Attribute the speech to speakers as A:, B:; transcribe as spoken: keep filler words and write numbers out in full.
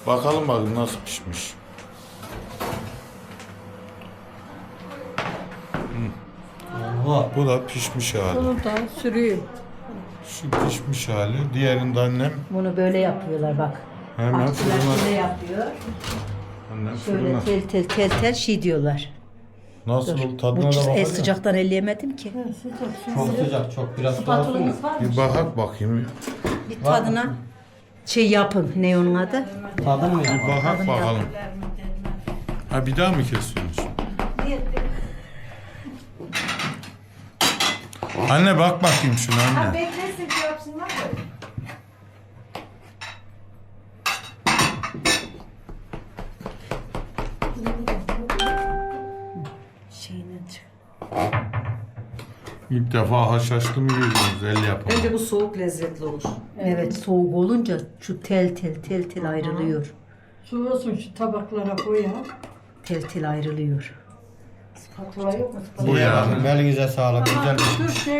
A: Bakalım bakın nasıl pişmiş.
B: Oha.
A: Bu da pişmiş hali.
C: Bunu da sürüyüm.
A: Şu pişmiş hali. Diğerinde annem
C: Bunu böyle yapıyorlar bak.
A: hemen
C: Aşçılar
A: fırına.
C: şöyle yapıyor.
A: Annem
C: Şöyle
A: fırına.
C: tel tel tel tel şey diyorlar.
A: Nasıl
C: Dur.
A: oldu?
C: Bu
A: Tadına da
C: e,
A: bakalım.
C: sıcaktan elleyemedim ki.
B: Çok sıcak, çok biraz daha olsun.
C: Spatula'mız var mı?
A: Bir bakak bakayım.
C: Bir tadına şey yapın. Ne onun adı?
B: Tadını mı
A: Bir
B: yapalım?
A: bakak bakalım. Ha bir daha mı kesiyorsunuz? Anne bak bakayım şuna anne.
D: Beklesin ki yapsınlar da.
C: Şeyini çık.
A: İlk defa haşhaşlı mı yiyorsunuz el yapımı?
D: Bence bu soğuk lezzetli olur.
C: Evet soğuk olunca şu tel tel tel tel ayrılıyor.
E: Soğusun şu tabaklara koyalım.
C: Tel tel ayrılıyor.
D: Spatula yok mu?
A: Bu yani.
B: Elinize sağlık. Güzel bir
E: Dur şey